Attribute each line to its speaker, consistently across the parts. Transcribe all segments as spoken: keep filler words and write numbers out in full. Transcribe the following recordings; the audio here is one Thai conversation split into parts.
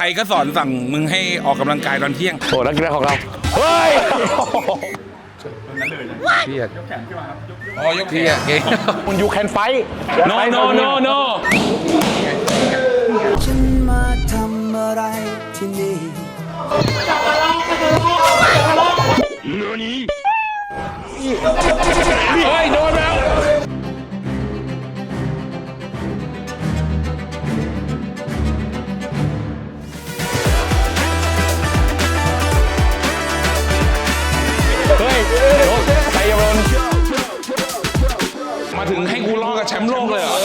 Speaker 1: รก็สอนสั่งมึงให้ออกกำลังกายตอนเที่ยง
Speaker 2: โอ้นักกีฬาของเราเฮ้ยเครียด
Speaker 1: อ๋อยก
Speaker 2: เครียดเก่งคุณยูแคนไฟ
Speaker 1: no no no no
Speaker 3: ฉันมาทำอะไรที่นี่
Speaker 1: เฮ้ยโดนแล้ว
Speaker 2: เฮ้ยไทยรน
Speaker 1: มาถึงให้กูล้อกับแชมป์โลกเลยเหรอ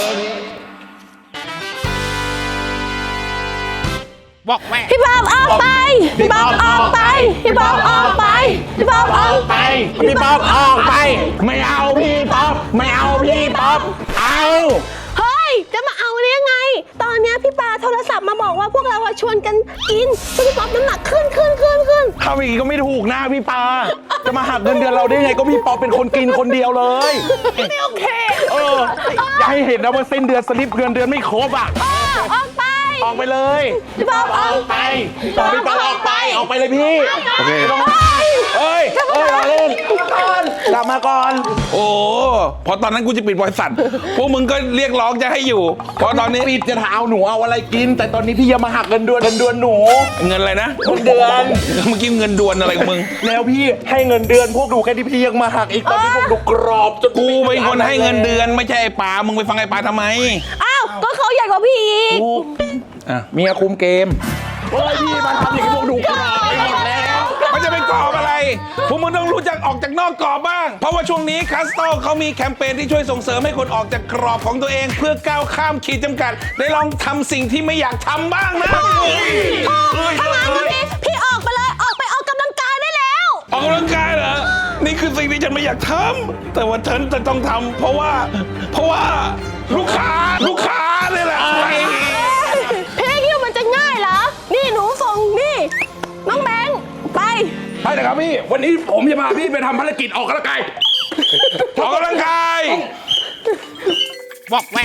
Speaker 1: บอกแม่
Speaker 4: พี่บอมออกไป พี่บอมออกไป พี่บอมออกไป พี่บอมออกไป
Speaker 2: พี่ป๊อปออกไปไม่เอาพี่ป๊อปไม่เอาพี่ป๊อปเอา
Speaker 4: เฮ้ย จะมาเอาได้ยังไง ตอนเนี้ยพี่ปาโทรศัพท์มาบอกว่าพวกเราอะชวนกันกินพี่ป๊อปน้ำหนักขึ้นขึ้นขึ้นขึ้น
Speaker 2: ทำอย่างนี้ก็ไม่ถูกนะพี่ปาจะมาหักเงินเดือนเราได้ไงก็พี่ป๊อปเป็นคนกินคนเดียวเลย
Speaker 4: ไม่โอเค
Speaker 2: เอออย่าให้เห็นนะว่าเส้นเดือนสลิปเงินเดือนไม่ครบอ่ะ
Speaker 4: เออออกไป
Speaker 2: ออกไปเลย
Speaker 4: พี่บอมออกไป
Speaker 2: พี่ป๊อปออกไปออกไปเลยพี่โอเค
Speaker 4: เฮ้ย
Speaker 2: เอ้ยเอ้ยเราเล่นกลับมาก่อน
Speaker 1: โอ้พอตอนนั้นกูจะปิดบริษัทพวกมึงก็เรียกร้องจะให้อยู่เพราะตอนนี้
Speaker 2: ปิดจะถามหนูเอาอะไรกิน แต่ตอนนี้พี่ยังมาหักเงินเดือนเงินเดือนหนู
Speaker 1: เงินอะไรนะ
Speaker 2: เงินเดือน
Speaker 1: เมื่อกี้เงินดวนอะไรของมึง
Speaker 2: แล้วพี่ให้เงินเดือนพวกหนูแค่ที่พี่ยังมาหักอีกตอนนี้พวกหนูกรอบจน
Speaker 1: กูเป็นคนให้เงินเดือนไม่ใช่ไอ้ปามึงไปฟังไอ้ปาทำไม
Speaker 4: อ้าว ก็เขาใหญ่กว่าพี่อีก
Speaker 2: ถูกอ่ะเมียคุมเกมโอ้ยพี่มาทำอย่างนี้พวกหนูกรอบไปหมดแล้ว
Speaker 1: มันจะเป็นกรอบอะไร พวกมึงต้องรู้จักออกจากนอกกรอบบ้าง เพราะว่าช่วงนี้คัสโตเขามีแคมเปญที่ช่วยส่งเสริมให้คนออกจากกรอบของตัวเอง เพื่อก้าวข้ามขีดจำกัด ได้ลองทำสิ่งที่ไม่อยากทำบ้างนะ
Speaker 4: ถ้างั้นพี่พี่ออกไปเลย ออกไปออกกำลังกายได้แล้ว
Speaker 1: ออกกำลังกายเหรอ นี่คือสิ่งที่ฉันไม่อยากทำ แต่ว่าฉันจะต้องทำเพราะว่า เพราะว่าลูกค้าลูกค้าเนี่ยแหละ
Speaker 4: พี่คิดว่ามันจะง่ายเหรอ นี่หนูส่งนี่ น้องแบงค์ไป
Speaker 2: ไปนะครับพี่วันนี้ผมจะพาพี่ไปทำภารกิจออกกำลังกาย
Speaker 1: ออกกำลังกายบอกแม่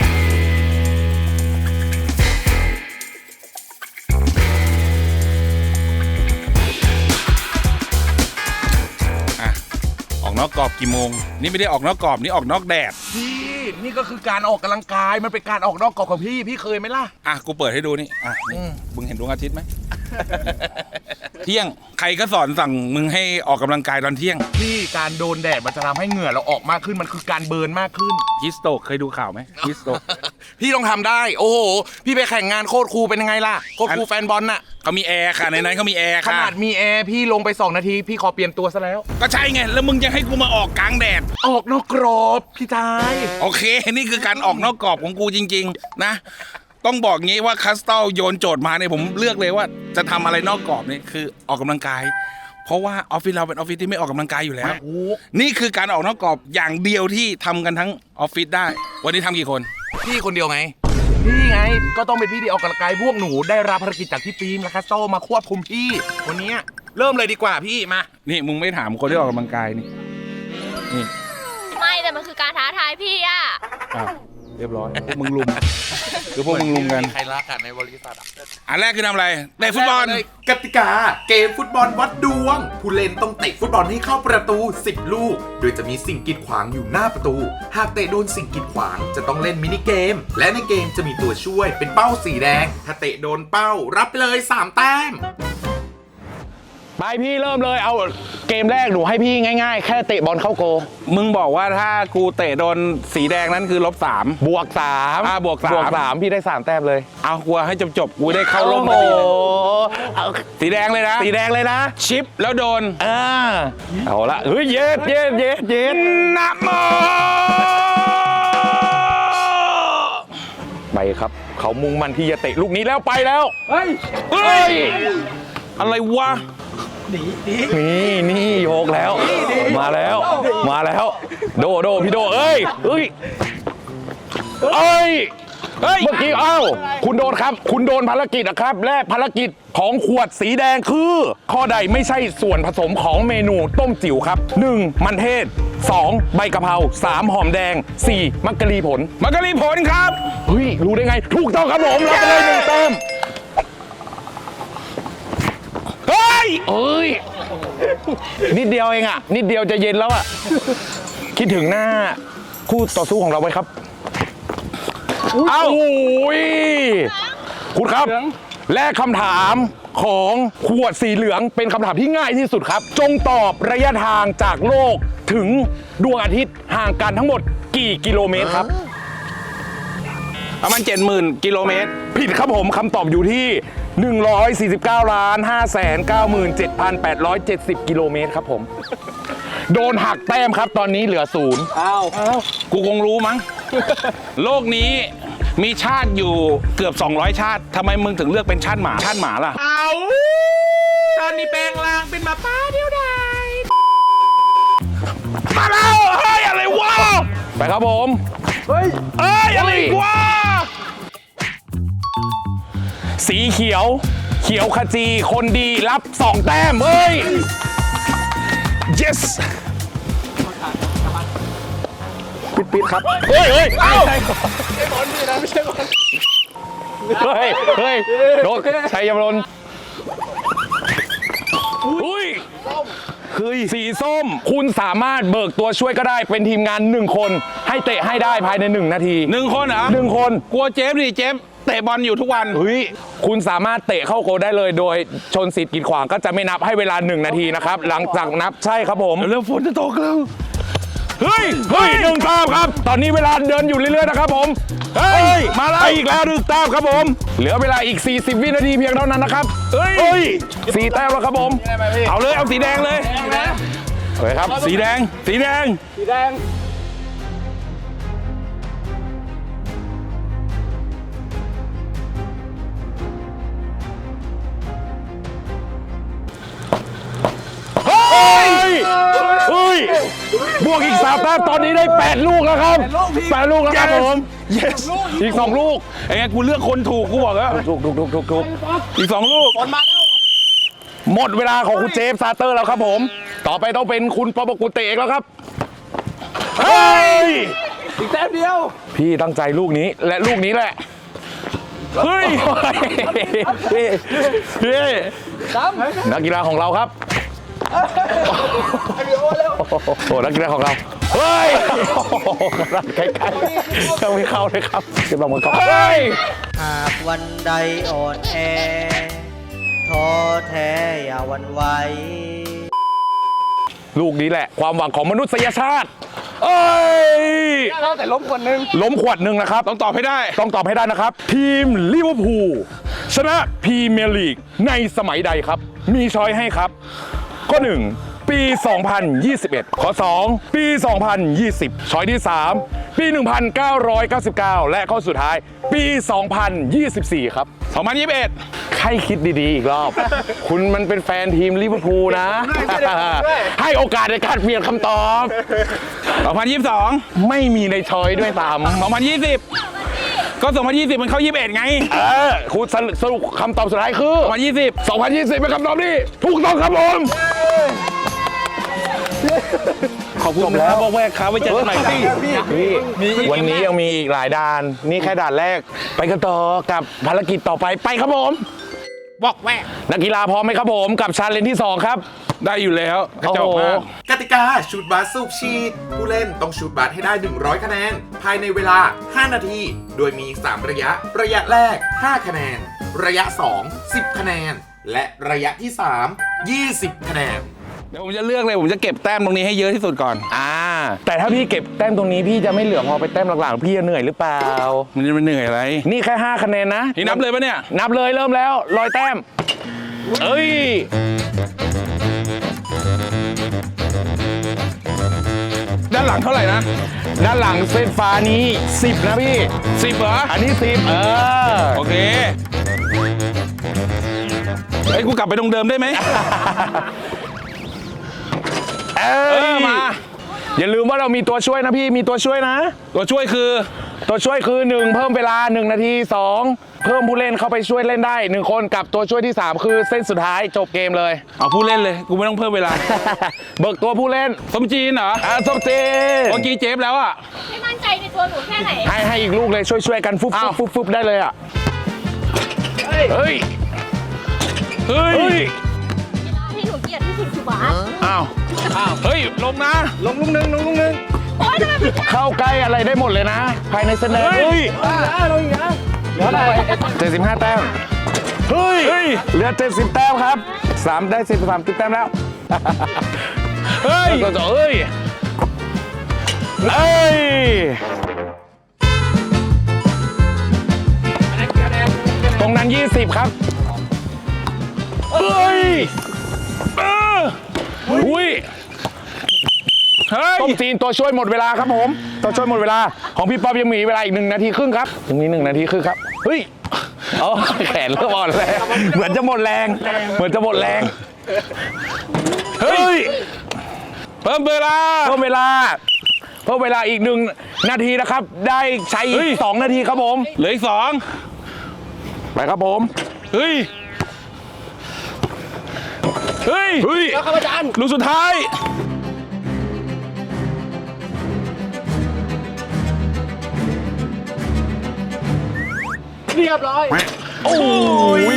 Speaker 1: อ่ะออกนอกกรอบกี่โมง นี่ไม่ได้ออกนอกกรอบนี่ออกนอกแดด
Speaker 2: พี่นี่ก็คือการออกกำลังกายมันเป็นการออกนอกกรอบของพี่พี่เคยไหมล่ะ
Speaker 1: อ่ะกูเปิดให้ดูนี่อ่ะนี่มึงเห็นดวงอาทิตย์ไหม เที่ยงใครก็สอนสั่งมึงให้ออกกำลังกายตอนเที่ยง
Speaker 2: พี่การโดนแดดมันจะทำให้เหงื่อเราออกมากขึ้นมันคือการเบิร์นมากขึ้น
Speaker 1: ฮิสโตกเคยดูข่าวไหมฮิสโตก
Speaker 2: พี่ต้องทำได้โอ้โหพี่ไปแข่งงานโคตรครูเป็นยังไงล่ะโคตรครูแฟนบอลน่ะ
Speaker 1: เขามีแอร์ค่ะในนั้นเขามีแอร์
Speaker 2: ข
Speaker 1: ค่ะ
Speaker 2: นาดมีแอร์พี่ลงไปสองนาทีพี่ขอเปลี่ยนตัวซะแล้ว
Speaker 1: ก็ใช่ไงแล้วมึงจะให้กูมาออกกลางแดด
Speaker 2: ออกนอกกรอบพี่ชาย
Speaker 1: โอเค นี่คือการออกนอกกรอบของกูจริงๆนะต้องบอกงี้ว่าคัสตอลโยนโจทย์มาเนี่ยผมเลือกเลยว่าจะทำอะไรนอกกรอบนี่คือออกกำลังกาย เพราะว่าออฟฟิศเราเป็นออฟฟิศที่ไม่ออกกำลังกายอยู่แล้ว นี่คือการออกนอกกรอบอย่างเดียวที่ทำกันทั้งออฟฟิศได้ วันนี้ทำกี่คน
Speaker 2: พี่คนเดียวไงพี่ไงก็ต้องเป็นพี่ที่ออกกำลังกายพวกหนูได้รับภารกิจจากพี่ปีมและคัสโตมาควบคุมพี่วันนี้เริ่มเลยดีกว่าพี่มา
Speaker 1: นี่มึงไม่ถามคนที่ออกกำลังกายนี่นี่
Speaker 5: ไม่แต่มันคือการท้าทายพี่อะ
Speaker 1: อ้าวเรียบร้อยพวกมึงลุมคือพวกมึงลุมกัน
Speaker 2: ใครรักกันในบริษัท
Speaker 1: อันแรกคือทำอะไรเตะฟุตบอล
Speaker 6: กติกาเกมฟุตบอลวัดดวง ผู้เล่นต้องเตะฟุตบอลให้เข้าประตูสิบลูก โดยจะมีสิ่งกีดขวางอยู่หน้าประตู หากเตะโดนสิ่งกีดขวางจะต้องเล่นมินิเกม และในเกมจะมีตัวช่วยเป็นเป้าสีแดง ถ้าเตะโดนเป้ารับไปเลยสามแต้ม
Speaker 2: ไปพี่เริ่มเลยเอาเกมแรกหนูให้พี่ง่ายๆ แค่เตะบอลเข้าโก
Speaker 1: มึงบอกว่าถ้ากูเตะโดนสีแดงนั้นคือลบสาม
Speaker 2: บวกสาม
Speaker 1: อ่าบวกสาม
Speaker 2: บวกสามพี่ได้สามแต้มเลย
Speaker 1: เอากลัวให้จบจบๆกูได้เข้าร่มพ
Speaker 2: โอ้
Speaker 1: อ
Speaker 2: โห
Speaker 1: ดีเลย
Speaker 2: เอา
Speaker 1: สีแดงเลยนะ
Speaker 2: สีแดงเลยนะ
Speaker 1: ชิปแล้วโดน
Speaker 2: อ่าเอาละเฮ้ยเย็ดเย็ดเย็ดเย็ด
Speaker 1: นะโม
Speaker 2: ไปครับ เขามุ่งมันที่จะเตะลูกนี้แล้วไปแล้ว
Speaker 1: เฮ้ยเฮ้ยอะไรวะ
Speaker 2: นี่นี่โยกแล้ว มาแล้ว มาแล้ว โดโดพี่โดเอ้ยเอ้ยเอ้ย
Speaker 1: เฮ้ย
Speaker 2: เมื่อกี้เอ้าคุณโดนครับ คุณโดนภารกิจนะครับและภารกิจของขวดสีแดงคือ ข้อใดไม่ใช่ส่วนผสมของเมนูต้มจิ๋วครับ หนึ่ง มันเทศ สอง ใบกะเพรา สาม หอมแดง สี่ มักกะลีผล
Speaker 1: มันก็รีผลครับ
Speaker 2: เฮ้ยรู้ได้ไง ถูกต้องครับผมรับไปเลยหนึ่งแต้มยเอ้ยนิดเดียวเองอ่ะนิดเดียวจะเย็นแล้วอ่ะคิดถึงหน้าคู่ต่อสู้ของเราไว้ครับเอ้าโอ้ยคุณครับและคำถามของขวดสีเหลืองเป็นคำถามที่ง่ายที่สุดครับจงตอบระยะทางจากโลกถึงดวงอาทิตย์ห่างกันทั้งหมดกี่กิโลเมตรครับ
Speaker 1: ประมาณเจ็ดหมื่นกิโลเมตร
Speaker 2: ผิดครับผมคำตอบอยู่ที่ หนึ่งร้อยสี่สิบเก้าล้านห้าแสนเก้าหมื่นเจ็ดพันแปดร้อยเจ็ดสิบ กิโลเมตรครับผม โดนหักแต้มครับตอนนี้เหลือศูนย์
Speaker 1: กูคงรู้มั้ง โลกนี้มีชาติอยู่เกือบสองร้อยชาติทำไมมึงถึงเลือกเป็นชาติหมาชาติหมาล่ะเอาตอนนี้แปลงร่างเป็นหมาป้าเดียวดายมาแล้วเฮ้ยอะไรวะ
Speaker 2: ไปครับผม
Speaker 1: เอ้ยอะไรวะ
Speaker 2: สีเขียว เขียวขจีคนดีรับสองแต้มเฮ้ย yes ปิดปิดครับเฮ้ยเฮ้ยเอ้าไม่ใช่บอลพี่นะไม่ใช่บอลเฮ้ยเฮ้ยโดนชัยยมรนอุ้ยคือสีส้มคุณสามารถเบิกตัวช่วยก็ได้เป็นทีมงานหนึ่งคนให้เตะให้ได้ภายในหนึ่งนาที
Speaker 1: หนึ่งคนเหรอ
Speaker 2: หนึ่งคน
Speaker 1: กลัวเจฟดิเจฟเตะบอลอยู่ทุกวัน
Speaker 2: เฮ้ยคุณสามารถเตะเข้าโกลได้เลยโดยชนสิทธิ์กีดขวางก็จะไม่นับให้เวลาหนึ่งนาทีนะครับหลังจากนับใช่ครับผม
Speaker 1: เร็วฝนจะตกแล้ว
Speaker 2: เฮ้ยเฮ้ยหนึ่งแต้มครับตอนนี้เวลาเดินอยู่เรื่อยๆนะครับผมเฮ้ยมาแล้วอีกแล้วหนึ่งแต้มครับผมเหลือเวลาอีกสี่สิบวินาทีเพียงเท่านั้นนะครับเฮ้ยสี่แต้มแล้วครับผม
Speaker 1: เอาเลยเอาสีแดงเลย
Speaker 2: เฮ้ยครับ
Speaker 1: สีแดงสีแดง
Speaker 2: เฮ้ยเฮ้ยบวกอีกสามแต้มตอนนี้ได้แปดลูกแล้วครับแปดลูกแล้วครับผม
Speaker 1: yes
Speaker 2: อีกสองลูก
Speaker 1: ไอ้ไงกูเลือกคนถูกกูบอกแล้ว
Speaker 2: ถูกถูกถูกถูกถูก
Speaker 1: อีกสองลูก
Speaker 2: หมดเวลาของคุณเจฟซาเตอร์แล้วครับผม ต่อไปต้องเป็นคุณปอปกุเตเอกแล้วครับเฮ้ยอีกแต้มเดียวพี่ตั้งใจลูกนี้และลูกนี้แหละเฮ้ยเฮ้ยนักกีฬาของเราครับโอ้นักกีฬาของเราเฮ้ยใกล้ๆยังไม่เข้าเลยครับจะลองมาก่อนเฮ้ย
Speaker 3: หากวันใดอ่อนแอท้อแท้อย่าหวั่นไหว
Speaker 2: ลูกนี้แหละความหวังของมนุษยชาติเอ้ยแต่ล้มขวดหนึ่งล้มขวดหนึ่งนะครับ
Speaker 1: ต้องตอบให้ได้
Speaker 2: ต้องตอบให้ได้นะครับ ทีมลิเวอร์พูลชนะพรีเมียร์ลีกในสมัยใดครับ มีช้อยให้ครับ ข้อหนึ่งปี สองพันยี่สิบเอ็ด ข้อสองปี สองพันยี่สิบ ช้อยที่สามปี หนึ่งพันเก้าร้อยเก้าสิบเก้า และข้อสุดท้ายปี สองพันยี่สิบสี่ ครับ
Speaker 1: สองพันยี่สิบเอ็ด
Speaker 2: ให้คิดดีๆอีกรอบ คุณมันเป็นแฟนทีมลิเวอร์พูลนะ ให้โอกาสในการเปลี่ยนคำตอบ
Speaker 1: สองพันยี่สิบสอง
Speaker 2: ไม่มีในช้อยด้วยซ้ำ
Speaker 1: สองพันยี่สิบก็สองพันยี่สิบมันเข้ายี่สิบเอ็ดไง
Speaker 2: เออคุณสรุปคำตอบสุดท้ายคือ
Speaker 1: สองพันยี่สิบ
Speaker 2: สองพันยี่สิบเป็นคำตอบที่ถูกต้องครับผม
Speaker 1: ขอบคุณแล้วบอกแวกครับไว้เจอกันใหม่ครับ
Speaker 2: วันนี้ยังมีอีกหลายด่าน นี่แค่ด่านแรก ไปกันต่อกับภารกิจต่อไปไปครับผม
Speaker 1: บอกแวก
Speaker 2: นักกีฬาพร้อมไหมครับผมกับชาเลนจ์ที่สองครับ
Speaker 1: ได้อยู่แล้วกระจอกมาก
Speaker 6: กติกาชูตบาสสูบฉีดผู้เล่นต้องชูตบาสให้ได้ หนึ่งร้อย คะแนน ภายในเวลา ห้า นาที โดยมี สาม ระยะ ระยะแรก ห้า คะแนน ระยะ สอง สิบ คะแนน และระยะที่ สาม ยี่สิบ คะแนน
Speaker 1: เดี๋ยวผมจะเลือกเลยผมจะเก็บแต้มตรงนี้ให้เยอะที่สุดก่อน
Speaker 2: อ่า แต่ถ้าพี่เก็บแต้มตรงนี้พี่จะไม่เหลือพอไปแต้มหลังๆพี่จะเหนื่อยหรือเปล่า
Speaker 1: มันจะไม่เหนื่อยอะไร
Speaker 2: นี่แค่ห้าคะแนนนะ
Speaker 1: นี่นับเลยปะเนี่ย
Speaker 2: นับเลยเริ่มแล้วรอยแต้มเอ้ย
Speaker 1: ด้านหลังเท่าไหร่นะ
Speaker 2: ด้านหลังเส้นฟ้านี้สิบนะพี่
Speaker 1: สิบเหรอ
Speaker 2: อันนี้สิบเออ
Speaker 1: โอเคไอ้ยกูกลับไปตรงเดิมได้ไหม
Speaker 2: เอ
Speaker 1: เออมา
Speaker 2: อย่าลืมว่าเรามีตัวช่วยนะพี่มีตัวช่วยนะ
Speaker 1: ตัวช่วยคือ
Speaker 2: ตัวช่วยคือหนึ่งเพิ่มเวลาหนึ่งนาทีสองเพิ่มผู้เล่นเข้าไปช่วยเล่นได้หนึ่งคนกับตัวช่วยที่สามคือเส้นสุดท้ายจบเกมเลย
Speaker 1: เอาผู้เล่นเลย กูไม่ต้องเพิ่มเวลา
Speaker 2: เบิกตัวผู้เล่น
Speaker 1: สมจีนเหรอ
Speaker 2: อ่ะสมเจน
Speaker 1: เมื่อกี้เจฟแล้วอ่ะ
Speaker 5: ไม่มั่นใจในตัวหนูแค่ไหน
Speaker 2: ให้ให้อีกลูกเลยช่วยช่วยกันฟุบ
Speaker 1: อ้า
Speaker 2: ฟุ
Speaker 1: ว
Speaker 2: บฟุบฟุบได้เลยอ่ะเฮ้ย
Speaker 1: เฮ้
Speaker 2: เฮ้
Speaker 1: ย
Speaker 2: ย
Speaker 5: กียดที่สุดคือบาส
Speaker 1: อ้าวเฮ้ยลงนะ
Speaker 2: ลงลุงหนึ่งลงลุงหนึ่ง
Speaker 5: โอ๊ยทำไมมัน
Speaker 2: เข้าใกล้อะไรได้หมดเลยนะ ภายในเส้นแดงเฮ้ยเหลืออะไรเจ็ดสิบห้าแต้มเฮ้ยเหลือเจ็ดสิบแต้มครับสามได้สิบสามสิบแต้มแล้วเฮ้ยเฮ้ยเอ้ยตรงนั้นยี่สิบครับเฮ้ยเอออุ้ยต้มจีนตัวช่วยหมดเวลาครับผมตัวช่วยหมดเวลาของพี่ป๊อบยังมีเวลาอีกหนึ่งนาทีครึ่งครับยังมีหนึ่งนาทีครึ่งครับเฮ้ยอ๋อแขนเริ่มอ่อนแรงเหมือนจะหมดแรงเหมือนจะหมดแรงเฮ้ย
Speaker 1: เพิ่มเวลา
Speaker 2: เพิ่มเวลาเพิ่มเวลาอีกหนึ่งนาทีนะครับ ได้ใช้อีกสองนาทีครับผม
Speaker 1: เหลืออีกสอง
Speaker 2: ไปครับผม
Speaker 1: เฮ้ยเฮ้ย
Speaker 2: เฮ้ย
Speaker 1: แล้วครับอาจารย์ลูกสุดท้าย
Speaker 2: โอ้ย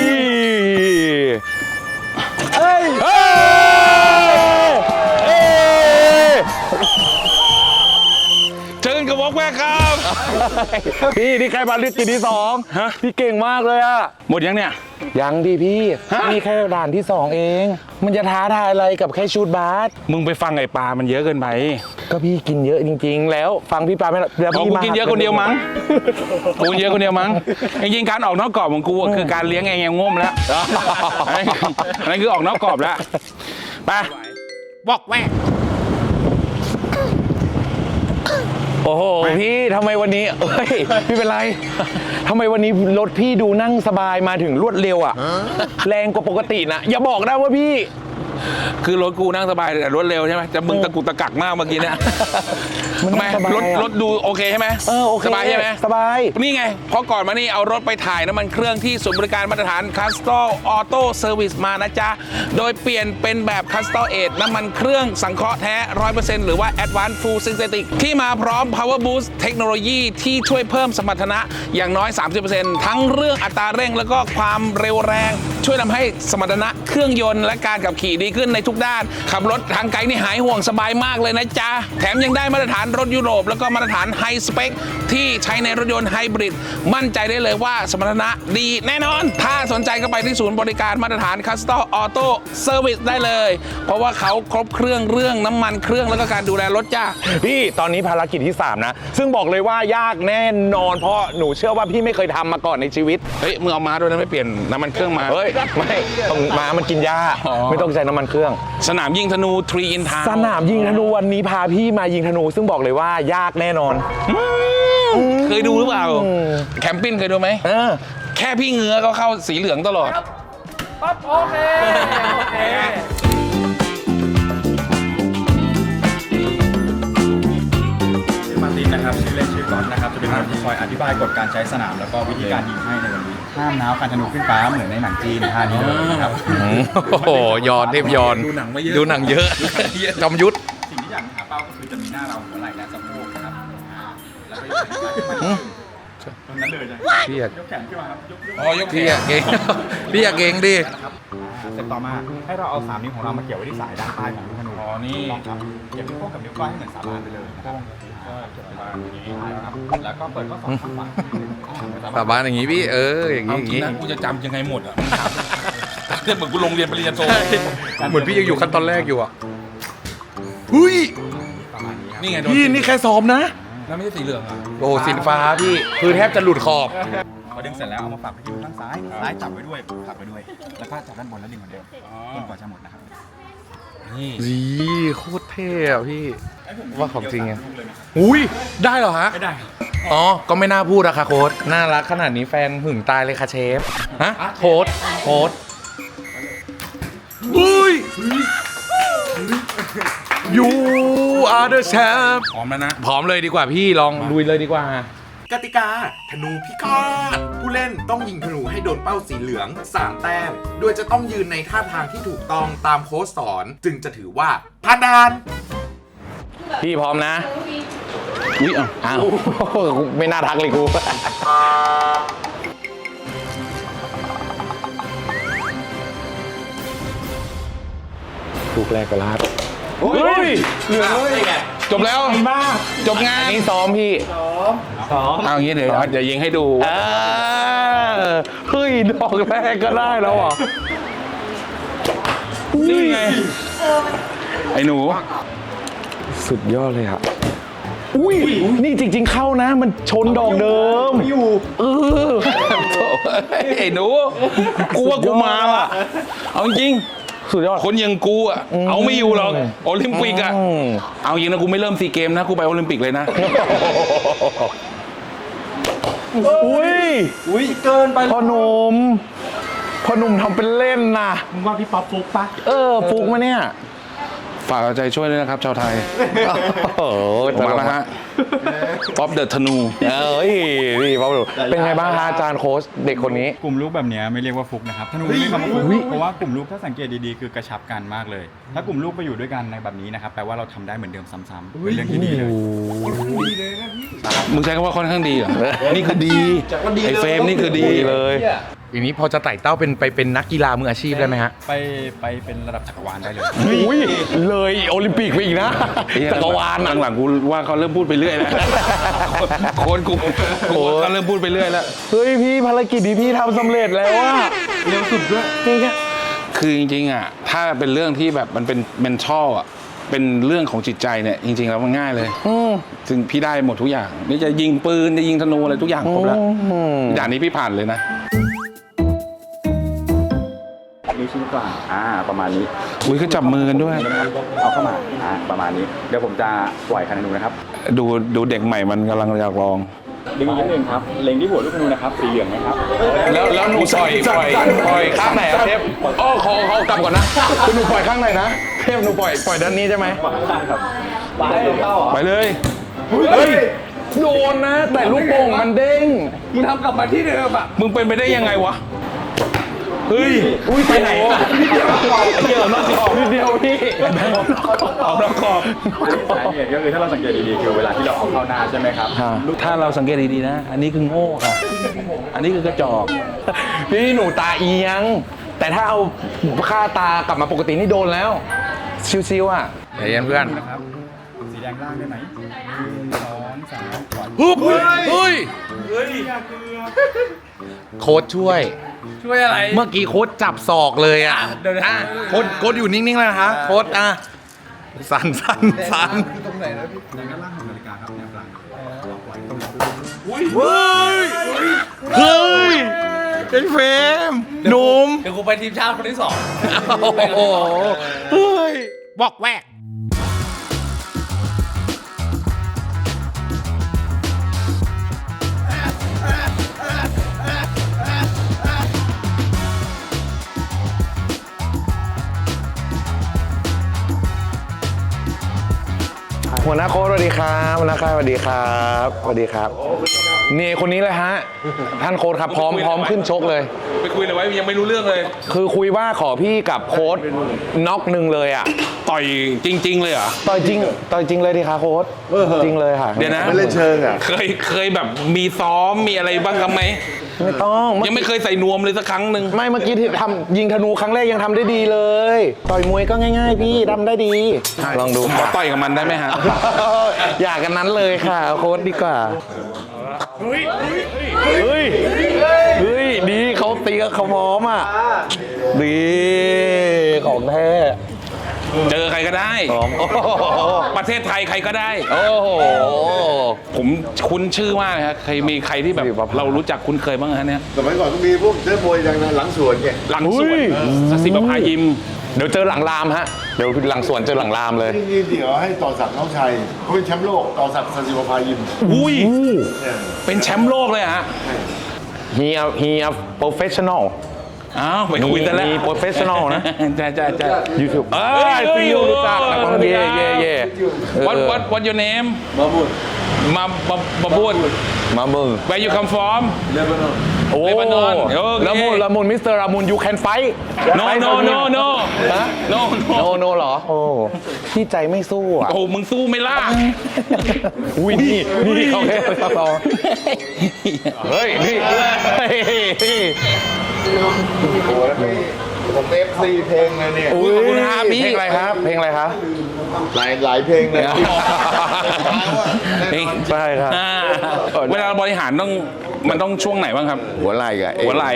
Speaker 2: เฮ้ยเฮ้ย
Speaker 1: เชิญกับวอกแวกครับ
Speaker 2: พี่นี่ใครมาเลือกกินที่สองพี่เก่งมากเลยอะ
Speaker 1: หมดยังเนี่ย
Speaker 2: ยังดิพี่นี่แค่ด่านที่สองเอง มันจะท้าทายอะไรกับแค่ชูดบาส
Speaker 1: มึงไปฟังไอ้ปลามันเยอะเกินไป
Speaker 2: ก็พี่กินเยอะจริงๆ แล้วฟังพี่ปาไม่ได้แล้ว
Speaker 1: อ๋อ
Speaker 2: พี่
Speaker 1: กู
Speaker 2: มา
Speaker 1: กินเยอะคนเดียวมั้งกูกินเยอะคนเดียวมั้งจริงๆการออกนอกกรอบของกูอะคือการเลี้ยงไอ้แงง่มแล้วอันนั้นคือออกนอกกรอบแล้วไปบอกแวก
Speaker 2: โอ้โหพี่ทำไมวันนี้เอ้ยไม่เป็นไรทำไมวันนี้รถพี่ดูนั่งสบายมาถึงรวดเร็วอ่ะแรงกว่าปกตินะอย่าบอกนะว่าพี่
Speaker 1: คือรถกูนั่งสบายแต่รถเร็วใช่ไหมจะมึงตะกุกตะกักมากเมื่อกี้เนี่ย
Speaker 2: มัน
Speaker 1: ทำไม
Speaker 2: สบาย
Speaker 1: รถ
Speaker 2: อะ
Speaker 1: รถดูโอเคใช่ไหม
Speaker 2: เออโอเค
Speaker 1: สบายใช่ไหม
Speaker 2: สบาย
Speaker 1: นี่ไงเพราะก่อนมานี่เอารถไปถ่ายน้ำมันเครื่องที่ศูนย์บริการมาตรฐาน Castor Auto Service มานะจ๊ะ โดยเปลี่ยนเป็นแบบ Castor Aid น้ำมันเครื่องสังเคราะห์แท้ ร้อยเปอร์เซ็นต์ หรือว่า Advanced Full Synthetic ที่มาพร้อม Power Boost เทคโนโลยีที่ช่วยเพิ่มสมรรถนะอย่างน้อย สามสิบเปอร์เซ็นต์ ทั้งเรื่องอัตราเร่งแล้วก็ความเร็วแรง ช่วยทำให้สมรรถนะเครื่องยนต์และการขับขี่ดีขึ้นในทุกด้าน ขับรถทางไกลนี่หายห่วงสบายมากเลยนะจ๊ะ แถมยังได้มาตรฐานรถยุโรปแล้วก็มาตรฐานไฮสเปคที่ใช้ในรถยนต์ไฮบริดมั่นใจได้เลยว่าสมรรถนะดีแน่นอน ถ้าสนใจก็ไปที่ศูนย์บริการมาตรฐาน Castor Auto Service ได้เลย เพราะว่าเขาครบเครื่องเรื่องน้ำมันเครื่องแล้วก็การดูแลรถจ้า
Speaker 2: พี่ตอนนี้ภารกิจที่สามนะซึ่งบอกเลยว่ายากแน่นอนเพราะหนูเชื่อว่าพี่ไม่เคยทำมาก่อนในชีวิต
Speaker 1: เฮ้ยมึงเอามาด้วยนะไม่เปลี่ยนน้ำมันเครื่องมา
Speaker 2: เฮ้ยไม่ต้องม้ามันกินหญ้า
Speaker 1: อ๋อ
Speaker 2: ไม่ต้องใช้น้ำมันเครื่อง
Speaker 1: สนามยิงธนูทรีอินทา
Speaker 2: สนามยิงธนูวันนี้พาพี่มายิงธนู ซึ่งบอกเลยว่ายากแน่นอน
Speaker 1: เคยดูหรือเปล่าแคมปิ้งเคยดูไหม
Speaker 2: เออ
Speaker 1: แค่พี่เงื้อก็เข้าสีเหลืองตลอด
Speaker 7: ชื่อมาร์ตินนะครับชื่อเล่นชื่อก๊อตนะครับจะเป็นคนที่คอยอธิบายกฎการใช้สนามแล้วก็วิธีการยิงให้ในวันนี้ห้ามน้าวการธนูขึ้นฟ้าเหมือนในหนังจีนท่านี้เลยนะครับ
Speaker 8: โอ้โหยอนเทพยอน
Speaker 1: ดูหนังมาเยอะ
Speaker 8: ดูหนังเยอะ จอมยุทธ
Speaker 7: สิ่งที่อยากหาเป้าก็คือจะมีหน้าเราหัวไหล่และสะโพกนะครับอ่าแล้วก็ยกแขนขึ้นมาตรงนั้นเลยนะ
Speaker 8: พี่อยาก
Speaker 7: ยกแขนขึ้นมาครับยกยก
Speaker 1: อ๋อยกแข
Speaker 8: พี่อยาก
Speaker 1: น
Speaker 8: เก่ง พี่อยากเก่งดิ
Speaker 7: นะครับอ่าเสร็จต่อมาให้เราเอาสามนิ้วของเรามาเกี่ยวไว้ที่สายด้านใต้ของลูกธนู
Speaker 1: อ๋อนี่
Speaker 7: ลองครับเกี่ยวนิ้วโป้งกับนิ้วก้อยให้เหมือนสาบานไปเลยนะครับอ่าเกี่ยวไว้อย่างนี้นะครับแล้วก็เปิดข้อศอกข้างขวาอ่
Speaker 8: สาบานอย่างงี้พี่ เออ อย่าง
Speaker 1: เอา
Speaker 8: งี้อย่าง
Speaker 1: จริง
Speaker 8: งี้
Speaker 1: นะกูจะจำยังไงหมดอ่ะเรื่องเหมือนกูลงเรียนปริญญาโท
Speaker 8: เหมือนพี่ยังอยู่ขั้นตอนแรกอยู่อ่ะหุ้ย
Speaker 7: ประมาณนี้ครับ
Speaker 1: นี่ไงโดน
Speaker 8: พี่นี่แค่ซ้อมนะ
Speaker 1: แล้วไม่ใช่สีเหลืองอ่ะ
Speaker 8: โอ้สินฟ้าพี่ คือแทบจะหลุดขอบ
Speaker 7: พอดึงเสร็จแล้วเอามาฝักไปที่มือข้างซ้าย ซ้ายจับไว้ด้วยผลักไปด้วย แล้วก็จับด้านบนแล้วดึงเหมือนเดิมจนกว่าจะหมดนะครับ
Speaker 1: นี่
Speaker 8: วีโคตรเท่อะพี่ ว่าของจริงไงอุ้ย ได้เหรอฮะ
Speaker 7: ไม่ได้ครับ
Speaker 8: อ๋อ ก็ไม่น่าพูดอะค่ะโค้ดน่ารักขนาดนี้แฟนหึงตายเลยค่ะเชฟ ฮะ โค้ดโค้ดอุ้ย You are the champ
Speaker 1: พร้อมแล้วนะ
Speaker 8: พร้อมเลยดีกว่าพี่ลองลุยเลยดีกว่า
Speaker 6: กติกาธนูพิฆาตผู้เล่นต้องยิงธนูให้โดนเป้าสีเหลืองสามแต้ม โดยจะต้องยืนในท่าทางที่ถูกต้องตามโค้ชสอน จึงจะถือว่าผ่านด่าน
Speaker 2: พี่พร้อมนะอุ้ยอ้าวอ้าวไม่น่าทักเลยกูลูกแรกก็ลาดเฮ้ยเหลือเลยจบแล้วจบงานนี่ซ้อมพี่ซ้อมเอาอย่างนี้เดี๋ยวเดี๋ยวยิงให้ดูเฮ้ยดอกแรกก็ได้แล้วอ่ะนี่ไงไอ้หนูสุดยอดเลยครับอุ้ยนี่จริงๆเข้านะมันชนดอกเดิมอยู่เออไอ้หนูกูว่ากูมาว่ะเอาจริงสุดยอดคนอย่างกูอ่ะเอาไม่อยู่หรอกโอลิมปิกอ่ะเอาจริงนะกูไม่เริ่มซีเกมนะกูไปโอลิมปิกเลยนะอุ้ยอุ้ยเกินไปพ่อหนุ่มพ่อหนุ่มทำเป็นเล่นนะมึงว่าพี่ป๊อปฟุกปะเออฟุกมาเนี่ยฝากเอาใจช่วยด้วยนะครับชาวไทยโอ้โหมาแล้วฮะป๊อปเดอะธนูเอ้ยนี่ป๊อปเป็นไงบ้างฮะอาจารย์โค้ชเด็กคนนี้
Speaker 7: กลุ่มลูกแบบนี้ไม่เรียกว่าฟุกนะครับธนูไม่เรียกคำว่าฟุกเพราะว่ากลุ่มลูกถ้าสังเกตดีๆคือกระชับกันมากเลยถ้ากลุ่มลูกไปอยู่ด้วยกันในแบบนี้นะครับแปลว่าเราทำได้เหมือนเดิมซ้ำๆเป็นเรื่องที่ดีเลย
Speaker 1: มึงใช้คำว่าค่อนข้างดีเหรอนี่คือดีไอ้เฟรมนี่คือดีเลย
Speaker 2: อย่างนี้พอจะไต่เต้าเป็นไปเป็นนักกีฬามืออาชีพได้ไหมฮะ
Speaker 7: ไปไปเป็นระดับจักรวาลได้เลย
Speaker 2: อุ้ยเลยโอลิมปิกไปอีกนะจักรวาล
Speaker 1: หลังๆกูว่าเขาเริ่มพูดไปเรื่อยแล้วโค้ชกูกูเขาเริ่มพูดไปเรื่อยแล้ว
Speaker 2: เฮ้ยพี่ภารกิจนี้พี่ทำสำเร็จแล้วว่าเร็วสุดด้วยจริง
Speaker 1: ๆคือจริงๆอ่ะถ้าเป็นเรื่องที่แบบมันเป็นเมนทัลอ่ะเป็นเรื่องของจิตใจเนี่ยจริงๆแล้วมันง่ายเลยซึ่งพี่ได้หมดทุกอย่างนี่จะยิงปืนจะยิงธนูอะไรทุกอย่างครบแล้วอย่างนี้พี่ผ่านเลยนะ
Speaker 7: นิ้วชี้กลางอ่าประมาณนี้
Speaker 1: อุ้ยก็จับมือกันด้วย
Speaker 7: เอาเข้ามาอ่าประมาณนี้เดี๋ยวผมจะปล่อยคันธนูนะครับ
Speaker 1: ดูดูเด็กใหม่มันกำลังอยากลอง
Speaker 7: ดึงนิดนึงครับเล็งที่หัวลูกธนูนะครับสีเหลืองนะครับ
Speaker 2: แล้วแล้วหนูปล่อยปล่อยปล่อยข้างไหนครับเทพอ๋อขอขอกลับก่อนนะคุณหนูปล่อยข้างไหนนะเทพหนูปล่อยปล่อยด้านนี้ใช่ไหม
Speaker 7: ครับ
Speaker 1: ไปเลย
Speaker 2: เฮ้ยโดนนะแต่ลูกโป่งมันเด้ง
Speaker 1: มึงทำกลับมาที่เดิมอ่ะมึงเป็นไปได้ยังไงวะเฮ้ย
Speaker 2: อุ้ยไปไหนอ่ะ
Speaker 1: เกี่ยวนอกขอบ
Speaker 2: นิดเดียวพี่
Speaker 1: ออกนอกขอบ
Speaker 7: สาเหตุก็คือถ้าเราสังเกตดีๆคือเวลาที่เราเอาเข้าหน้าใช่ไหมครับ
Speaker 1: ถ้าเราสังเกตดีๆนะอันนี้คือโง่ค่ะอันนี้คือกระจอก
Speaker 2: พี่หนูตาเอียงแต่ถ้าเอาค่าตากลับมาปกตินี่โดนแล้วชิวๆอ่ะเฮ้ยเพื่อน
Speaker 7: สีแดงล่างได้ไหมสองสาม
Speaker 2: ฮึบเฮ้ยโค้ชช่วย
Speaker 1: ช่วยอะไร
Speaker 2: เมื่อกี้โค้ชจับศอกเลยอ่ะเดี๋ยวนะโค้ชโค้ชอยู่นิ่งๆแล้วนะฮะโค้ชอ่ะสั่นสั่นสั่นตรงไหนนะพี่ในด้านล่างของนาฬิกาครับแนวกลางเฮ้ยเฮ้ยเป็นเฟรมหนุ่ม
Speaker 1: เดี๋ยวกูไปทีมชาติคนที่สอง
Speaker 2: โอ้โหเฮ้ย
Speaker 1: บอกแวก
Speaker 2: หัวหน้าโค้ชสวัสดีครับหัวหน้าค่ายสวัสดีครับสวัสดีครับนี่คนนี้เลยฮะท่านโค้ชครับพร้อมพร้อมขึ้นชกเลย
Speaker 1: ไปคุยเลยไว้ยังไม่รู้เรื่องเลย
Speaker 2: คือคุยว่าขอพี่กับโค้ชน็อกหนึ่งเลยอ่ะ
Speaker 1: ต่อยจริงๆเลยเหรอ
Speaker 2: ต่อยจริงต่อยจริงเลยดิคะโค้ชจริงเลยค่ะ
Speaker 1: เดี๋ยวนะ
Speaker 8: ไม่เล่นเชิงอ่ะ
Speaker 1: เคยเคยแบบมีซ้อมมีอะไรบ้างครับไหม
Speaker 2: ไม่ต้อง
Speaker 1: ยังไม่เคยใส่นวมเลยสักครั้งหนึ่ง
Speaker 2: ไม่เมื่อกี้ที่ทำยิงธนูครั้งแรกยังทำได้ดีเลยต่อยมวยก็ง่ายๆพี่ทำได้ดีลองดู
Speaker 1: ขอต่อยกับมันได้ไหมฮะ
Speaker 2: อยากกันนั้นเลยค่ะโค้ชดีกว่าเฮ้ยเฮ้ยเฮ้ยดีเขาตีกับเขาพร้อมอ่ะดีของแท้
Speaker 1: เจอใครก็ได้ประเทศไทยใครก็ได้
Speaker 2: โอ้โห
Speaker 1: ผมคุ้นชื่อมากเลยครับใครมีใครที่แบบเรารู้จักคุ้นเคยบ้างฮะเนี่ย
Speaker 8: สมัยก่อนก็มีพวกเจ้ามวยอย่างหลังสวนไง
Speaker 1: หลังสวนสัสิบพายิม
Speaker 2: เดี๋ยวเจอหลังรามฮะเดี๋ยวหลังสวนเจอหลังรามเลย
Speaker 8: นี่เดี๋ยวให้ต่อศักดิ์น้องชัยเขาเป็นแชมป์โลกต่อศักดิ์สัสิบพายิม
Speaker 1: อุ้ยเป็นแชมป์โลกเลยฮะ
Speaker 2: he a he a professional
Speaker 1: อ้าวไปคุยกันแล้ว
Speaker 2: มีโปรเฟชชั่นอลนะ
Speaker 1: ใช่ใช่ใช่
Speaker 2: ยูทูบเอ้ยซีอูรู้จักนะเย่เย่เย่
Speaker 1: what what what your name
Speaker 8: มาบุญ
Speaker 1: มามามาบุญ
Speaker 2: มาบุญ
Speaker 1: where you come from
Speaker 8: เลบานอน
Speaker 2: โอ้เลบานอนละมุนละมุนมิสเตอร์ละมุน you can fight
Speaker 1: no no no no
Speaker 2: no no no หรอโอ้พี่ใจไม่สู้อ่ะ
Speaker 1: โอ้มึงสู้ไม่ล่ะ
Speaker 2: อุ้ยนี่นี่เขาแค่เขาต่อเฮ้ยนี่
Speaker 9: ผมเอฟซีเพลงเลยเนี่ย
Speaker 1: อุ้ยขอบคุณครับพี่
Speaker 2: เพลงอะไรครับ เพลงอะไรครับ
Speaker 9: หลายหลายเพลงเลย
Speaker 1: เฮ้ย
Speaker 2: ใช่ครับ
Speaker 1: อ่าเวลาบริหารต้องมันต้องช่วงไหนบ้างครับ
Speaker 9: หัวไหล่กับเอว
Speaker 1: หัวไหล่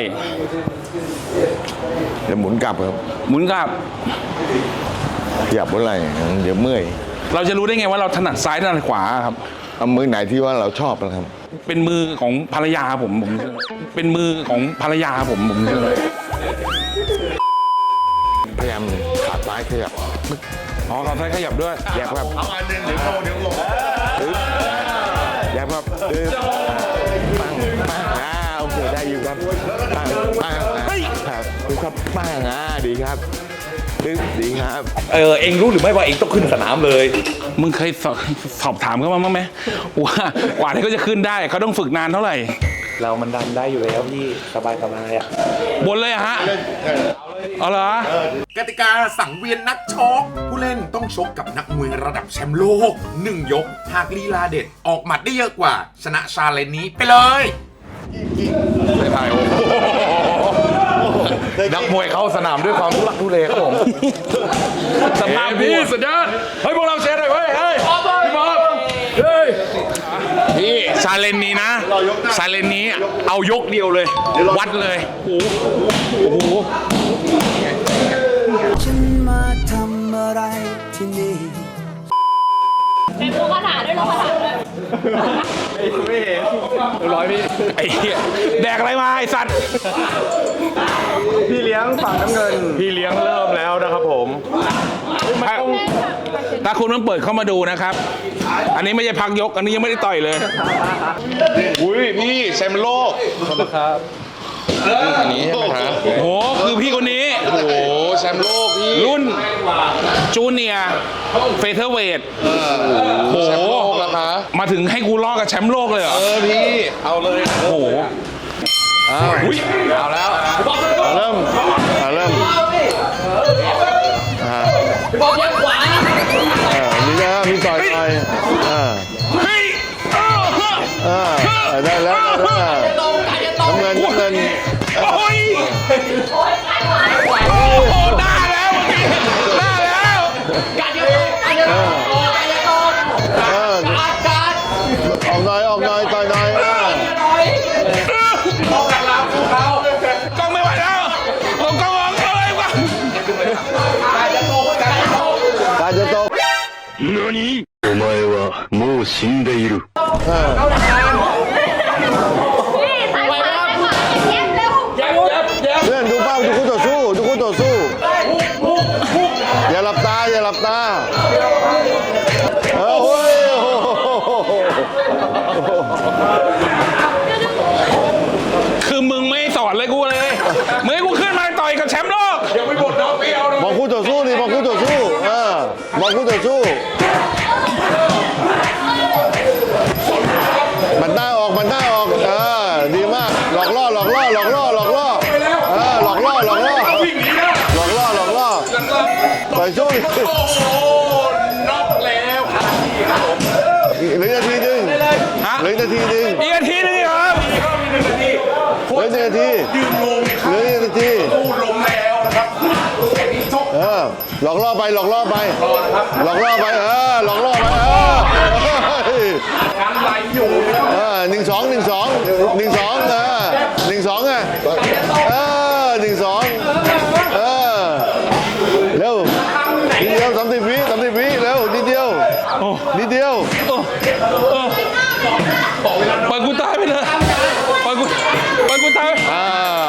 Speaker 9: เดี๋ยวหมุนกลับครับ
Speaker 1: หมุนกลับ
Speaker 9: ขยับหัวไหล่เดี๋ยวเมื่อย
Speaker 1: เราจะรู้ได้ไงว่าเราถนัดซ้ายถนัดขวาครับ
Speaker 9: เอามือไหนที่ว่าเราชอบนะครับ
Speaker 1: เป็นมือของภรรยาผมผมเชื่อเป็นมือของภรรยาผมผมเชื่อ
Speaker 9: พยายามขาซ้ายขยับ
Speaker 1: อ๋อเขาใช้ขยับด้วย
Speaker 9: แยบครับเอาอันนึงเดี๋ยวลงเดี๋ยวลงแยบครับปึ๊บปังปังอ่าโอเคได้อยู่ครับปังปังครับปึ๊บครับปังอ่าดีครับปึ๊บดีครับ
Speaker 2: เออเองรู้หรือไม่ว่าเองต้องขึ้นสนามเลย
Speaker 1: มึงเคยสอบสอบถามเขามาบ้างไหมว่ากว่าที่เขาจะขึ้นได้เขาต้องฝึกนานเท่าไหร่
Speaker 2: เรามันดันได้อยู่แล้วพี่สบายสบายอ่ะ
Speaker 1: บนเลยอะฮะเอาเหรอ
Speaker 6: กติกาสังเวียนนักชกผู้เล่นต้องชกกับนักมวยระดับแชมป์โลกหนึ่งยก หากลีลาเด็ดออกหมัดได้เยอะกว่า ชนะชาเลนจ์นี้ไปเลย
Speaker 2: ถ่ายโอ้โหนักมวยเข้าสนามด้วยความทุลักทุเลครับผม
Speaker 1: สภาพ
Speaker 2: พี่สุดยอดเฮ้ยพวกเราเชียร์หน่อยเว้ยเฮ้ยพี่บอลเฮ้ย
Speaker 1: พี่ชาเลนจ์นี้นะชาเลนจ์นี้เอายกเดียวเลย วัดเลยโอ้โหโอ้โห
Speaker 3: ฉันมาทำอะไรที่นี่
Speaker 5: เป็นผู้คาถาด้วยเหรอคาถาด้วย
Speaker 2: ร้อยพี่
Speaker 1: ไอ้เหี้ยแดกอะไรมาไอ้สัตว์
Speaker 2: พี่เลี้ยงฝั่งน้ำเงิน พี่เลี้ยงเริ่มแล้วนะครับผม
Speaker 1: ถ้าถ้าคุณต้องเปิดเข้ามาดูนะครับ อันนี้ไม่ใช่พักยก อันนี้ยังไม่ได้ต่อยเลย
Speaker 2: อุ้ยพี่แชมป์โลกขอบคุณครับอันนี้ใช่ไหมฮะ
Speaker 1: โอ้โห คือพี่คนนี้
Speaker 2: โอ้โหแชมป์โลกพี่
Speaker 1: รุ่นจูเนียร์เฟเธอร์เวทโอ้โห
Speaker 2: แชมป์โลกแล้วคะ
Speaker 1: มาถึงให้กูลอกกับแชมป์โลกเลยเหรอ
Speaker 2: เออพี่เอาเลย
Speaker 1: โอ้โห
Speaker 2: อุ้ยเอาแล้วเอาเริ่มเอาเริ่มอ่าเออนี่นะมีต่อยต่อยอ่า
Speaker 1: เฮ้ยเออเฮ้ย
Speaker 2: อ่าได้แล้วได้แล้วน้ำเงินน้ำเงิน
Speaker 1: โอ้ยโอ้โหได้แล้วได้แล้ว
Speaker 2: เออออกหน่อยออกหน่อยต่อยหน่อยอ่าก
Speaker 1: ล้องไม่ไหวแล้วลงกล้องออกเลยว่ะ
Speaker 2: การจะตก
Speaker 10: お前はもう死んでいる。
Speaker 2: เออ
Speaker 5: นี่ซ้ายขวาซ้ายขวาเย็บเร็ว
Speaker 2: เพื่อนดูเป้าดูคู่ต่อสู้ดูคู่ต่อสู้อย่าหลับตาอย่าหลับตาเออโอ้ยโอ้โห
Speaker 1: คือมึงไม่สอนเลยกูเลยมึงให้กูขึ้นมาต่อยกับแชมป์โลกยังไม่หมดน้องพี่เอา
Speaker 2: มองคู่ต่อสู้ดิมองคู่ต่อสู้เออมองคู่ต่อสู้มันหน้าออกมันหน้าออกเออดีมากหลอกล่อหลอกล่อหลอกล่อหลอกล่อเออหลอกล่อหลอกล่อหลอกล่อหลอกล่อต่อยสู้ดิ
Speaker 1: น็อกแล้ว
Speaker 2: เหลือนาทีหนึง
Speaker 1: ฮะ
Speaker 2: เหลือนาทีหนึง
Speaker 1: อีกนาทีนึงเหรอ
Speaker 2: เหลือนาทีเหลือนาทีเออหลอกล่อไปหลอกล่อไปหลอกล่อไปเออหลอกล่อไปเออเออหนึ่งสองหนึ่งสองหนึ่งสองเออหนึ่งสองไงเออหนึ่งสองเออเร็วนิดเดียวสามสิบวิสามสิบวิเร็วนิดเดียวนิดเดียว
Speaker 1: ปล่อยกูตายไปเลยปล่อยกูปล่อยกูตาย
Speaker 2: อ่า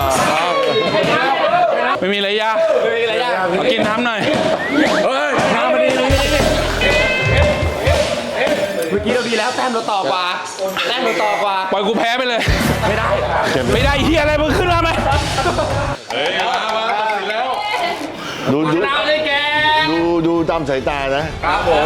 Speaker 1: ไม่มีอะไรยากไม่มีอะไรยากมากินน้ำหน่อยเฮ้ยน้ำมาดิ
Speaker 8: เมื่อกี้เราดีแล้วแต้มเราต่อกว่าแต้มเราต่อกว่า
Speaker 1: ปล่อยกูแพ้ไปเลย ไม่ได้ไม่ได้เฮียอะไรมึงขึ้นมาไหมเฮ้ยมามาตัดสินแล้ว
Speaker 2: ดูดูดูดูตามสายตานะครับผม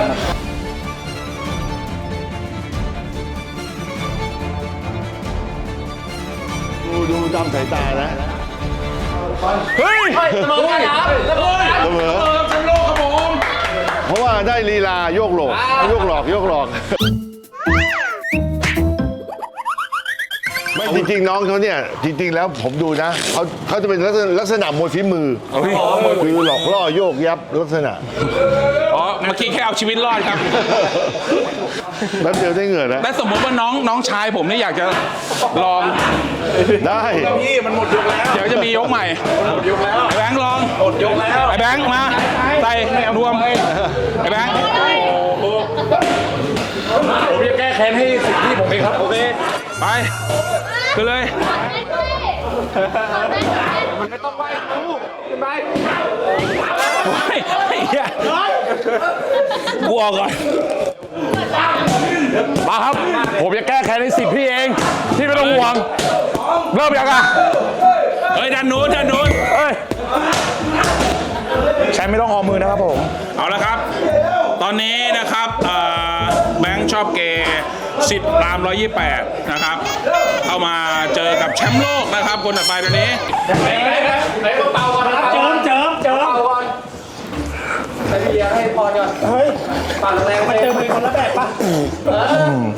Speaker 2: ดูดูตามสายตานะ
Speaker 1: เฮ้ย
Speaker 8: เสมอกันครับเสมอกัน
Speaker 2: เสมอ
Speaker 1: แชมป์โลกครับผม
Speaker 2: เพราะว่าได้ลีลาโยกหลอกโยกหลอกโยกหลอกไม่
Speaker 9: จริงๆน้องเขาเนี่ยจริง ๆ แล้วผมดูนะเขาเขาจะเป็นลักษณะลักษณะมวยฝีมือคือหลอกล่อโยกยับลักษณะ
Speaker 1: อ๋อเมื่อกี้แค่เอาชีวิตรอดครับ
Speaker 9: แป๊บเดียวได้เงินแล้ว
Speaker 1: และสมมติว่าน้องน้องชายผมนี่อยากจะลอง
Speaker 9: ได้
Speaker 1: พี่มันหมดยกแล้วเดี๋ยวจะมียกใหม่หมดยกแล้วไอ้แบงค์ลองหมดยกแล้วไอ้แบงค์มาใส่รวมไอ้แบงค์ผมจะแก้แค้นให้สิ่งที่ผมเองครับโอเคไปขึ้นเลยมันไม่ต้องไปกูขึ้นไปไอ้เหี้ยกูออกก่อน
Speaker 2: มาครับ ผมจะแก้แค้นในสิทธิ์พี่เองพี่ไม่ต้องห่วงเริ่มยังอ่ะ
Speaker 1: เฮ้ยดันนู้นดันนู้น
Speaker 2: เอ้ยแชมป์ไม่ต้องออมมือนะครับผม
Speaker 1: เอาละครับ ตอนนี้นะครับเอ่อแบงค์ชอบเกย์สิทธิ์รามร้อยยี่สิบแปดนะครับ เข้ามาเจอกับแชมป์โลกนะครับคนต่อไปตัวนี้เจิมเจิมเจิมให้พี่เลี้ยงให้พรก่อนเฮ้ยปั่นแรงมาเจอมือคนละแบบปะไป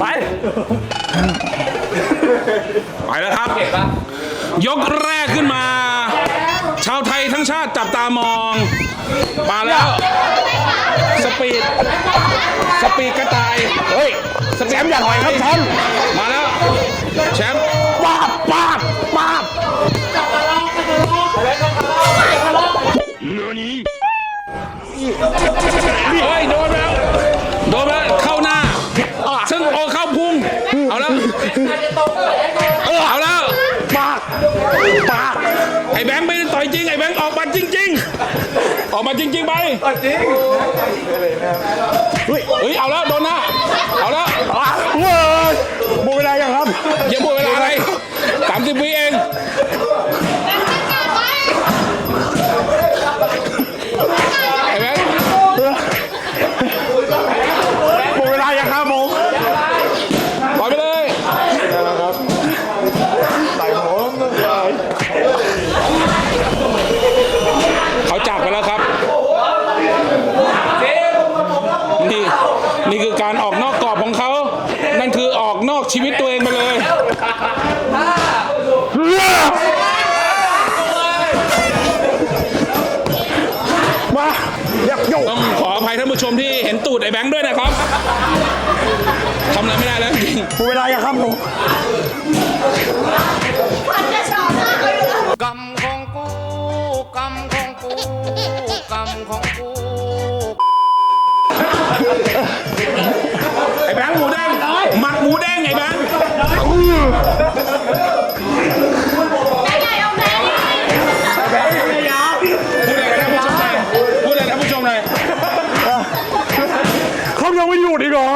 Speaker 1: ไปแล้วครับยกแรกขึ้นมา ชาวไทยทั้งชาติจับตามองมาแล้ว สปีดสปีดกระต่ายเฮ้ยแชมป์อย่าถอยครับแชมป์มาแล้วแชมป์ป้าบป้าบป้าบเฮ้ยโดนแล้วโดนแล้วเข้าหน้าซึ่งโอเข้าพุงเอาแล้วเอาแล้วปากปากไอ้แบงค์ไม่ได้ต่อยจริงไอ้แบงค์ออกมาจริงๆออกมาจริงๆไปจริงเฮ้ยเอาแล้วโดนหน้าเอาแล้วเว้ยหมดเวลายังครับยังหมดเวลาอะไรสามสิบวิเองไอ้แบงค์หมดเวลายังครับผมปล่อยไปเลยเขาจากไปแล้วครับนี่นี่คือการออกนอกกรอบของเขานั่นคือออกนอกชีวิตตัวเองไปเลยมาต้องขออภัยท่านผู้ชมที่เห็นตูดไอ้แบงค์ด้วยนะครับทำอะไรไม่ได้แล้วจริงเวลาอย่าครับผมกรรมของกูกรรมของกูกรรมของกูไอ้แบงค์หมูแดงหมักหมูแดงไอ้แบงค์พูดอะไรท่านผู้ชมหน่อยเขายังไม่หยุดอีกเหรอ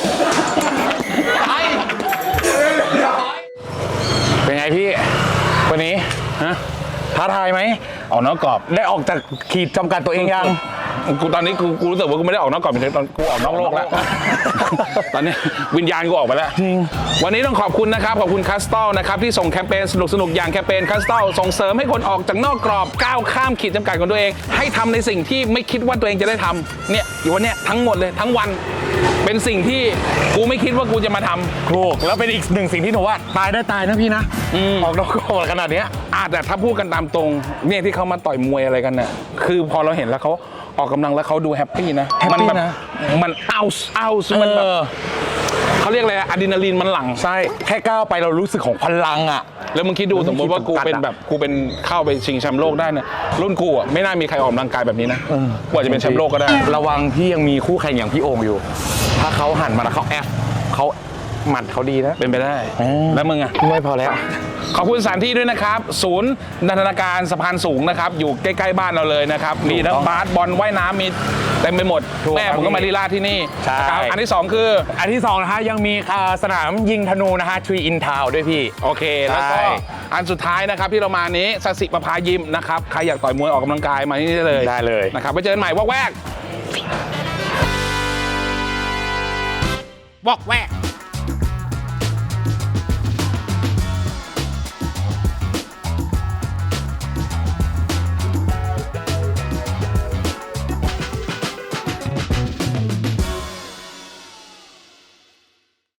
Speaker 1: เป็นไงพี่วันนี้ฮะท้าทายไหมออกนอกกรอบได้ออกจากขีดจำกัดตัวเองยังกูตอนนี้กูกูรู้สึกว่ากูไม่ได้ออกนอกกรอบตอนกูออกนอกโลกแล้วตอนนี้วิญญาณกูออกไปแล้วจริงวันนี้ต้องขอบคุณนะครับขอบคุณคัสตอลนะครับที่ส่งแคมเปญสนุกสนุกอย่างแคมเปญคัสตอลส่งเสริมให้คนออกจากนอกกรอบก้าวข้ามขีดจำกัดของตัวเองให้ทำในสิ่งที่ไม่คิดว่าตัวเองจะได้ทำเนี่ยอยู่วันเนี้ยทั้งหมดเลยทั้งวันเป็นสิ่งที่กูไม่คิดว่ากูจะมาทำถูกแล้วเป็นอีกหนึ่งสิ่งที่หนูว่าตายได้ตายนะพี่นะออกนอกกรอบขนาดนี้อาจแต่ถ้าพูดกันตามตรงเนี่ยที่เขามาต่อยมวยอะไรกันเนี่ยคือพอเราเห็นแล้วเขาออกกำลังแล้วเขาดูแฮปปี้นะมันแบบมันเอาเอามันแบบเขาเรียกอะไรอะดรีนาลีนมันหลั่งใช่แค่ก้าวไปเรารู้สึกของพลังอ่ะแล้วมึงคิดดูสมมติว่ากูเป็นแบบกูเป็นเข้าไปชิงแชมป์โลกได้เนี่ยรุ่นกูอ่ะไม่น่ามีใครออกกำลังกายแบบนี้นะกว่าจะเป็นแชมป์โลกก็ได้ระวังพี่ยังมีคู่แข่งอย่างพี่โอ่งอยู่ถ้าเขาหันมาแล้วเขาแอฟเขาหมัดเขาดีนะเป็นไปได้แล้วมึงอ่ะไม่พอแล้วขอบคุณสถานที่ด้วยนะครับศูนย์นันทนาการสะพานสูงนะครับอยู่ใกล้ๆบ้านเราเลยนะครับมีทั้งบาสบอลว่ายน้ำมีเต็มไปหมดแม่ผมก็มาลีลาที่นี่ครับอันที่สองคืออันที่สองนะฮะยังมีสนามยิงธนูนะฮะทรีอินทาวด้วยพี่โอเคแล้วก็อันสุดท้ายนะครับที่เรามานี้สสิประภายิมนะครับใครอยากต่อยมวยออกกำลังกายมาที่นี่ได้เลยได้เลยนะครับไปเจอกันใหม่วอกแวกวอกแวก